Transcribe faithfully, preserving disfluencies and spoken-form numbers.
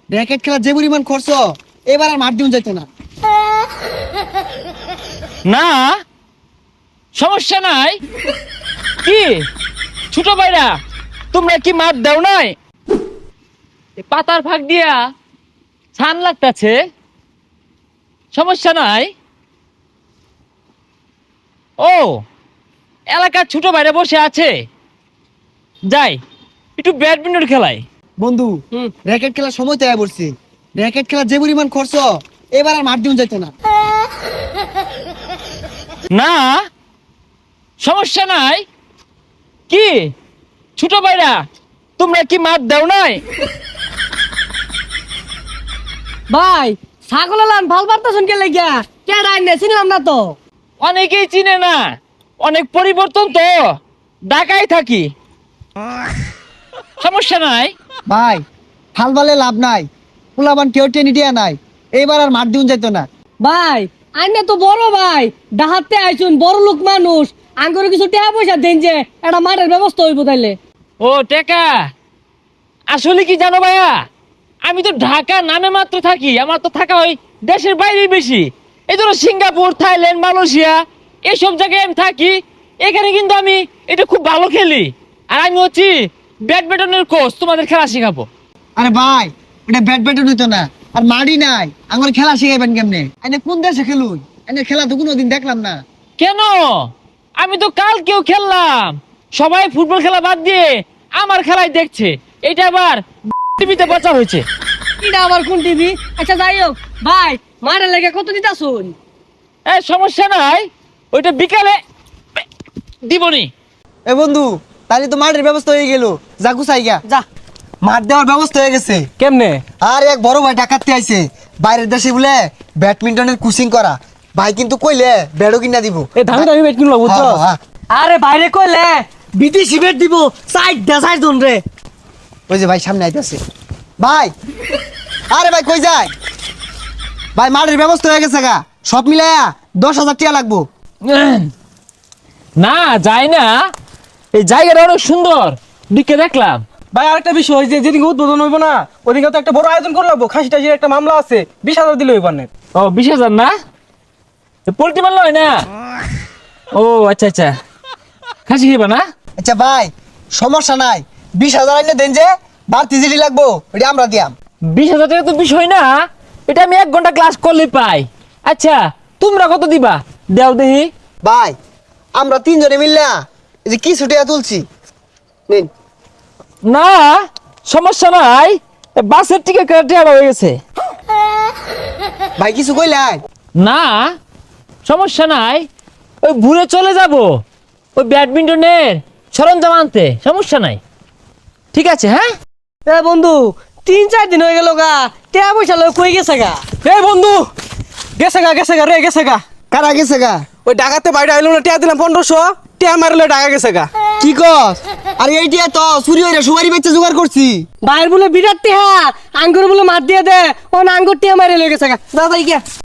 Racket খেলা যে পরিমাণ খরচ, এবার আর মাঠ দিন যাইতো না। না সমস্যা নাই। কি ছোট ভাইরা, তোমরা কি মাঠ দাও নাই? এ পাতার ফাঁক দিয়া ছান লাগতাছে, সমস্যা নাই। ও এলাকার ছোট ভাইরা বসে আছে, যাই একটু ব্যাডমিন্টন খেলাই। বন্ধু, র্যাকেট খেলার সময় তৈরি করছি। র্যাকেট খেলা যে পরিমাণ খরচ, এবার আর মাঠ দিন যাইতো না। না সমস্যা নাই। কি ছোট ভাইরা, তোমরা কি মাঠ দাও নাই? ভাই ছাগল লান ভাল পারতেছেন কে লাগিয়া কে রাইনে চিনলাম না তো। অনেকেই চিনে না, অনেক পরিবর্তন তো, ঢাকায় থাকি, সমস্যা নাই। ভাই হাল বালে লাভ নাই, পোলাবান কেউ টেনে দিয়া নাই, এবার আর মাঠ দিন যাইতো না। ভাই আইনে তো বড় ভাই, ডাহাতে আইছুন বড় লোক মানুষ, আঙ্গুরে কিছু টাকা পয়সা দেন যে একটা মাঠের ব্যবস্থা হইব তাইলে। ও টেকা, আসলে কি জানো ভাইয়া, আমি তো ঢাকা নামে মাত্র থাকি, আমার তো থাকা হয় দেশের বাইরে বেশি। এই ধরো সিঙ্গাপুর, থাইল্যান্ড, মালয়েশিয়া এইসব জায়গায় আমি থাকি। এখানে কিন্তু আমি এটা খুব ভালো খেলি, আর আমি হচ্ছি ব্যাডমিন্টনের কোচ, তোমাদের খেলা শেখাবো। আরে ভাই, এটা ব্যাট ব্যাটও নিতো না, আর মাঠই নাই, আমার খেলা শিখাইবেন কেমনে? এনে কোন দেশে খেলুন? এনে খেলা তো কোনোদিন দেখলাম না। কেন? আমি তো কালকেও খেললাম, সবাই ফুটবল খেলা বাদ দিয়ে আমার খেলাই দেখছে। এটা আবার টিভিতে প্রচার হয়েছে। এটা আবার কোন টিভি? আচ্ছা যাই হোক ভাই, মাঠের লেগে কত দিতাছুন? এ সমস্যা নাই, ওইটা বিকালে দিবনি। এ বন্ধু, তাহলে তো মাঠের ব্যবস্থা হয়ে গেল, যা গুছাই গা। যা। মাঠ দেওয়ার ব্যবস্থা হয়ে গেছে। কেমনে? আর এক বড় ভাই ডাকাতে আইছে, বাইরের দেশে বলে ব্যাডমিন্টনের কোচিং করা। ভাই কিন্তু কইলে ব্যাটও কিনা দিব। এ দামি দামি বেট কিনলো বুঝছো? হ্যাঁ, হ্যাঁ। আরে বাইরে কইলে বিদেশি বেট দিব, সাইড দা সাইড জন রে। ওই যে ভাই সামনে আইতাছে। ভাই, আরে ভাই কই যায়? ভাই মাঠের ব্যবস্থা হয়ে গেছে গা, সব মিলায়া দশ হাজার টাকা লাগবো। না যায় না, এই জায়গাটা অনেক সুন্দর, দিকে দেখলাম। ভাই আরেকটা বিষয়, যে যেদিন উদ্বোধন হইব না ওদিকে তো একটা বড় আয়োজন করে লাগবো। খাসি টাসির একটা মামলা আছে, বিশ হাজার দিলে হইবার না। ও বিশ হাজার না, পোল্ট্রি মারল হয় না? ও আচ্ছা আচ্ছা, খাসি খেবা না? আচ্ছা ভাই, সমস্যা নাই, বিশ হাজার আইনে দেন, যে বাড়তি জিডি লাগবো ওটা আমরা দিয়াম। বিশ হাজার টাকা তো বিষয় না, এটা আমি এক ঘন্টা ক্লাস করলে পাই। আচ্ছা তোমরা কত দিবা দেও দেখি। ভাই আমরা তিনজনে মিললা এই যে কিছু টাকা তুলছি, নিন। না সমস্যা নাই, এ বাসের টিকিট কেটে হয়ে গেছে। ভাই কিছু কইলাই? না সমস্যা নাই, ওই ঘুরে চলে যাব ওই ব্যাডমিন্টনের সরঞ্জাম আনতে, সমস্যা নাই। ঠিক আছে হ্যাঁ। এ বন্ধু, তিন চার দিন হয়ে গেল গা, টাকা পয়সা লয় কই গেছে গা? এই বন্ধু, গেছে গা গেছে গা রে গেছে গা। কারা গেছে গা? ওই ডাকাতে বাইরে আইলো না, টিয়া দিলাম পনেরোশো, টিয়া মারলে ডাকা গেছে গা। কি কস? আরে এইটা তো চুরি হইরা সুপারি বেচে জোগাড় করছি। বাইর বলে বিরাট টিহা, আঙ্গুর বলে মার দিয়ে দে, ও আঙ্গুর টিহা মারে লয়ে গেছে গা। দাদা গিয়া